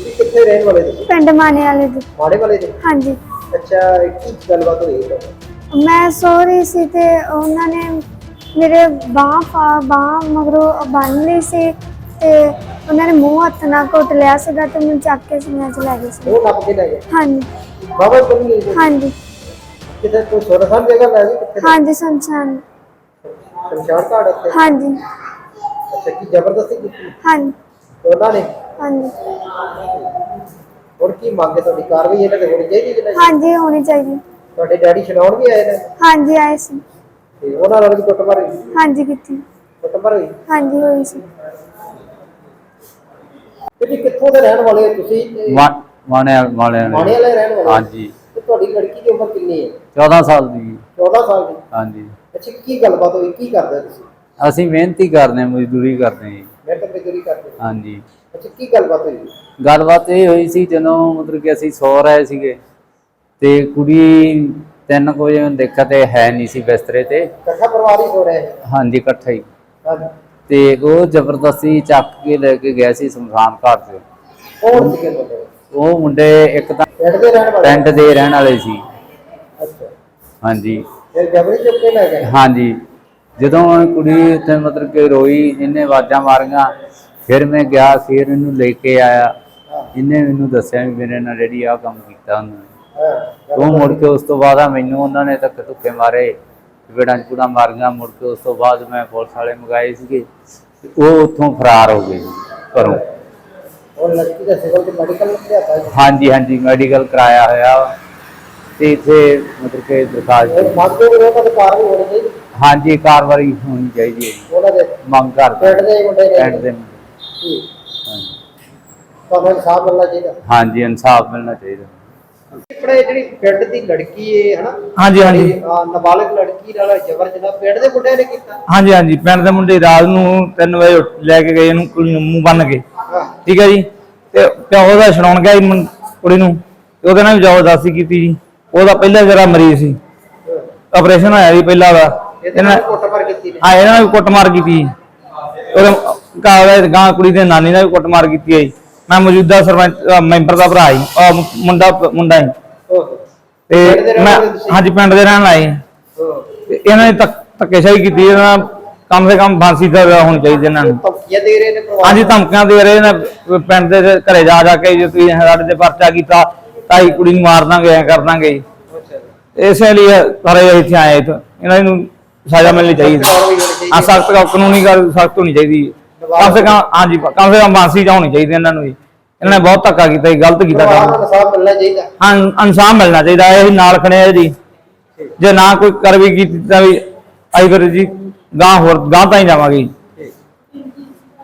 ਕਿੱਥੇ ਰਹਿਣ ਵਾਲੇ ਤੁਸੀਂ? ਪਿੰਡ ਮਾਣੇ ਵਾਲੇ ਦੀ। ਮਾੜੇ ਵਾਲੇ ਦੇ? ਹਾਂਜੀ। ਅੱਛਾ, ਕੀ ਗੱਲਬਾਤ ਹੋਈ ਹੈ? ਮੈਂ ਸੋ ਰਹੀ ਸੀ ਤੇ ਉਹਨਾਂ ਨੇ ਮੇਰੇ ਬਾਂਹ ਮਗਰੋਂ ਬੰਨ ਲਈ ਸੀ ਤੇ ਉਹਨਾਂ ਨੇ ਮੂੰਹ ਹੱਥ ਨਾਲ ਘੁੱਟ ਲਿਆ ਸੀਗਾ ਤੇ ਮੈਨੂੰ ਚੱਕ ਕੇ ਸੀਨੇ 'ਚ ਲੈ ਗਏ ਸੀ। ਉਹ ਨੱਪ ਕੇ ਲੈ ਗਏ? ਹਾਂਜੀ। ਬਾਬਾ ਕੋਲ ਗਏ ਸੀ? ਹਾਂਜੀ। ਕਿਤੇ ਕੋਈ ਸੁਨਸਾਨ ਜਗ੍ਹਾ ਲੈ ਗਏ ਕਿੱਥੇ? ਹਾਂਜੀ, ਸ਼ਮਸ਼ਾਨ ਘਾਟ ਉੱਤੇ? ਹਾਂਜੀ। ਅੱਛਾ, ਕੀ ਜ਼ਬਰਦਸਤੀ ਕੀਤੀ ਹਾਂਜੀ। ਉਹਨਾਂ ਨੇ? ਹਾਂਜੀ। ਹੁਣ ਕੀ ਮੰਗੇ ਤੁਹਾਡੀ? ਕਾਰਵਾਈ ਇਹਨਾਂ ਤੇ ਹੋਣੀ ਚਾਹੀਦੀ ਕਿ ਨਹੀਂ? ਹਾਂਜੀ, ਹੋਣੀ ਚਾਹੀਦੀ। ਤੁਹਾਡੇ ਡੈਡੀ ਛਡਾਉਣ ਵੀ ਆਏ ਨੇ? ਹਾਂਜੀ, ਆਏ ਸੀ। ਤੇ ਉਹਨਾਂ ਨਾਲ ਵੀ ਕੁੱਟਮਾਰ ਹੋਈ? ਹਾਂਜੀ, ਕੀਤੀ। ਕੁੱਟਮਾਰ ਹੋਈ? ਹਾਂਜੀ, ਹੋਈ ਸੀ। ਤੁਸੀਂ ਕਿੱਥੋਂ ਦੇ ਰਹਿਣ ਵਾਲੇ ਹੋ ਤੁਸੀਂ? ਮਾਣੇ ਵਾਲੇ ਰਹਿਣ ਵਾਲੇ? ਹਾਂਜੀ। ਤੇ ਤੁਹਾਡੀ ਲੜਕੀ ਦੀ ਉਮਰ ਕਿੰਨੀ ਹੈ? 14 ਸਾਲ ਦੀ। 14 ਸਾਲ ਦੀ? ਹਾਂਜੀ। ਅੱਛਾ, ਕੀ ਗੱਲਬਾਤ ਹੋਈ? ਕੀ ਕਰਦੇ ਤੁਸੀਂ? ਅਸੀਂ ਮਿਹਨਤੀ ਕਰਦੇ, ਮਜ਼ਦੂਰੀ ਕਰਦੇ ਜੀ। ਮਿਹਨਤ ਮਜ਼ਦੂਰੀ ਕਰਦੇ? ਹਾਂਜੀ। ਅੱਛਾ, ਕੀ ਗੱਲਬਾਤ ਹੋਈ? ਗੱਲਬਾਤ ਇਹ ਹੋਈ ਸੀ ਜਦੋਂ ਮਤਲਬ ਕਿ ਅਸੀਂ ਸੌ ਰਹੇ ਸੀਗੇ ਤੇ ਕੁੜੀ 3 ਵਜੇ ਦੇਖਿਆ ਤੇ ਹੈ ਨਹੀਂ ਸੀ ਬਿਸਤਰੇ ਤੇ। ਇਕੱਠਾ ਪਰਿਵਾਰ ਹੀ ਸੋ ਰਿਹਾ ਹੈ? ਹਾਂਜੀ, ਇਕੱਠਾ ਹੀ। ਹਾਂਜੀ। ਤੇ ਉਹ ਜ਼ਬਰਦਸਤੀ ਚੱਕ ਕੇ ਲੈ ਕੇ ਗਿਆ ਸੀ ਸ਼ਮਸ਼ਾਨ ਘਾਟ ਤੇ। ਕੌਣ ਸੀਗੇ ਮੁੰਡੇ? ਉਹ ਮੁੰਡੇ ਇੱਕ ਤਾਂ ਪਿੰਡ ਦੇ ਰਹਿਣ ਵਾਲੇ? ਪਿੰਡ ਦੇ ਰਹਿਣ ਵਾਲੇ ਸੀ। ਅੱਛਾ। ਹਾਂਜੀ। ਫਿਰ ਜਬਰੀ ਚੁੱਕ ਕੇ ਲੈ ਗਏ? ਹਾਂਜੀ। ਜਦੋਂ ਕੁੜੀ ਉੱਥੇ ਮਤਲਬ ਕਿ ਰੋਈ, ਇਹਨੇ ਆਵਾਜ਼ਾਂ ਮਾਰੀਆਂ, ਫਿਰ ਮੈਂ ਗਿਆ, ਫਿਰ ਇਹਨੂੰ ਲੈ ਕੇ ਆਇਆ। ਇਹਨੇ ਮੈਨੂੰ ਦੱਸਿਆ ਵੀ ਮੇਰੇ ਨਾਲ ਜਿਹੜੀ ਆਹ ਕੰਮ ਕੀਤਾ ਉਹਨਾਂ ਨੇ। ਉਹ ਮੁੜ ਕੇ ਉਸ ਤੋਂ ਬਾਅਦ ਮੈਨੂੰ ਉਹਨਾਂ ਨੇ ਧੱਕੇ ਧੁੱਕੇ ਮਾਰੇ, ਚਪੇੜਾਂ ਚਪੂੜਾਂ ਮਾਰੀਆਂ। ਮੁੜ ਕੇ ਉਸ ਤੋਂ ਬਾਅਦ ਮੈਂ ਪੁਲਿਸ ਵਾਲੇ ਮੰਗਾਏ ਸੀਗੇ, ਉਹ ਉੱਥੋਂ ਫਰਾਰ ਹੋ ਗਏ ਘਰੋਂ। ਉਹ ਲੜਕੀ ਦਾ ਸਿਵਲ ਤੇ ਮੈਡੀਕਲ ਲਿਆਤਾ? ਹਾਂਜੀ ਹਾਂਜੀ, ਮੈਡੀਕਲ ਕਰਾਇਆ ਹੋਇਆ ਤੇ ਇੱਥੇ ਮਤਲਬ ਕਿ ਦਰਖਾਸਤ। ਮੰਗਦੇ ਹੋ ਉਹਨਾਂ ਦੀ ਕਾਰਵਾਈ ਹੋਣੀ ਚਾਹੀਦੀ? ਹਾਂਜੀ, ਕਾਰਵਾਈ ਹੋਣੀ ਚਾਹੀਦੀ ਹੈ। ਉਹਨਾਂ ਦੇ ਮੰਗ ਕਰਦੇ ਪਿੰਡ ਦੇ ਮੁੰਡੇ ਨੇ? ਪਿੰਡ ਦੇ ਮੁੰਡੇ। ਠੀਕ। ਤੁਹਾਨੂੰ ਇਨਸਾਫ ਮਿਲਣਾ ਚਾਹੀਦਾ? ਹਾਂਜੀ, ਇਨਸਾਫ ਮਿਲਣਾ ਚਾਹੀਦਾ। ਆਪਣੇ ਜਿਹੜੀ ਪਿੰਡ ਦੀ ਲੜਕੀ ਹੈ ਹਨਾ? ਹਾਂਜੀ ਹਾਂਜੀ। ਨਾਬਾਲਗ ਲੜਕੀ ਨਾਲ ਜ਼ਬਰ ਜਨਾਹ ਪਿੰਡ ਦੇ ਮੁੰਡਿਆਂ ਨੇ ਕੀਤਾ? ਹਾਂਜੀ ਹਾਂਜੀ, ਪਿੰਡ ਦੇ ਮੁੰਡੇ ਰਾਤ ਨੂੰ 3 ਵਜੇ ਲੈ ਕੇ ਗਏ ਇਹਨੂੰ, ਕੁੜੀ ਨੂੰ ਮੂੰਹ ਬੰਨ ਕੇ। ਠੀਕ ਹੈ ਜੀ। ਤੇ ਪਿਓ ਦਾ ਛਡਾਉਣ ਗਿਆ ਕੁੜੀ ਨੂੰ, ਤੇ ਉਹਦੇ ਨਾਲ ਵੀ ਜ਼ਬਰਦਸਤੀ ਕੀਤੀ ਜੀ। ਉਹਦਾ ਪਹਿਲਾਂ ਜਿਹੜਾ ਮਰੀਜ਼ ਸੀ, ਆਪਰੇਸ਼ਨ ਹੋਇਆ ਜੀ ਪਹਿਲਾਂ ਦਾ। ਇਹਨਾਂ ਨੇ ਕੁੱਟਮਾਰ ਕੀਤੀ ਨੇ? ਹਾਂ, ਇਹਨਾਂ ਨੇ ਵੀ ਕੁੱਟਮਾਰ ਕੀਤੀ। ਉਹਦੇ ਗਾਂ ਕੁੜੀ ਦੇ ਨਾਨੀ ਨੇ ਵੀ ਕੁੱਟਮਾਰ ਕੀਤੀ ਹੈ ਜੀ। ਮੈਂ ਮੌਜੂਦਾ ਸਰਪੰਚ ਮੈਂਬਰ ਦਾ ਭਰਾ ਜੀ, ਮੁੰਡਾ ਹੀ। ਤੇ ਮੈਂ ਹਾਂਜੀ ਪਿੰਡ ਦੇ ਰਹਿਣ ਵਾਲੇ। ਤੇ ਇਹਨਾਂ ਨੇ ਧੱਕੇਸ਼ਾਹੀ ਕੀਤੀ। ਇਹਨਾਂ ਕਮ ਸੇ ਕਮ ਫਾਂਸੀ ਦਾ ਹੋਣੀ ਚਾਹੀਦੀ ਇਹਨਾਂ ਨੂੰ। ਧਮਕੀਆਂ ਦੇ ਰਹੇ ਨੇ? ਹਾਂਜੀ, ਧਮਕੀਆਂ ਦੇ ਰਹੇ ਨੇ ਪਿੰਡ ਦੇ ਘਰੇ ਜਾ ਜਾ ਕੇ, ਜੇ ਤੁਸੀਂ ਸਾਡੇ ਤੇ ਪਰਚਾ ਕੀਤਾ ਤਾਂ ਅਸੀਂ ਕੁੜੀ ਨੂੰ ਮਾਰ ਦਾਂਗੇ, ਐ ਕਰ ਦਾਂਗੇ। ਇਸੇ ਲਈ ਸਾਰੇ ਇੱਥੇ ਆਏ। ਇਹਨਾਂ ਨੂੰ ਸਜ਼ਾ ਮਿਲਣੀ ਚਾਹੀਦੀ। ਹਾਂ, ਸਖਤ ਕਾਨੂੰਨੀ ਗੱਲ ਸਖਤ ਹੋਣੀ ਚਾਹੀਦੀ। ਕਮ ਸੇ ਕਮ ਹਾਂਜੀ, ਕਮ ਸੇ ਕਮ ਫਾਂਸੀ ਤਾਂ ਹੋਣੀ ਚਾਹੀਦੀ ਇਹਨਾਂ ਨੂੰ ਵੀ। ਇਹਨਾਂ ਨੇ ਬਹੁਤ ਧੱਕਾ ਕੀਤਾ, ਗਲਤ ਕੀਤਾ। ਇਨਸਾਫ ਮਿਲਣਾ ਚਾਹੀਦਾ? ਹਾਂ, ਇਨਸਾਫ ਮਿਲਣਾ ਚਾਹੀਦਾ। ਇਹ ਨਾਲ ਖੜੇ ਆ ਜੀ। ਜੇ ਨਾ ਕੋਈ ਕਾਰਵਾਈ ਕੀਤੀ ਤਾਂ ਵੀ ਅਸੀਂ ਫਿਰ ਜੀ ਗਾਂ ਤਾਂ ਹੀ ਜਾਵਾਂਗੇ।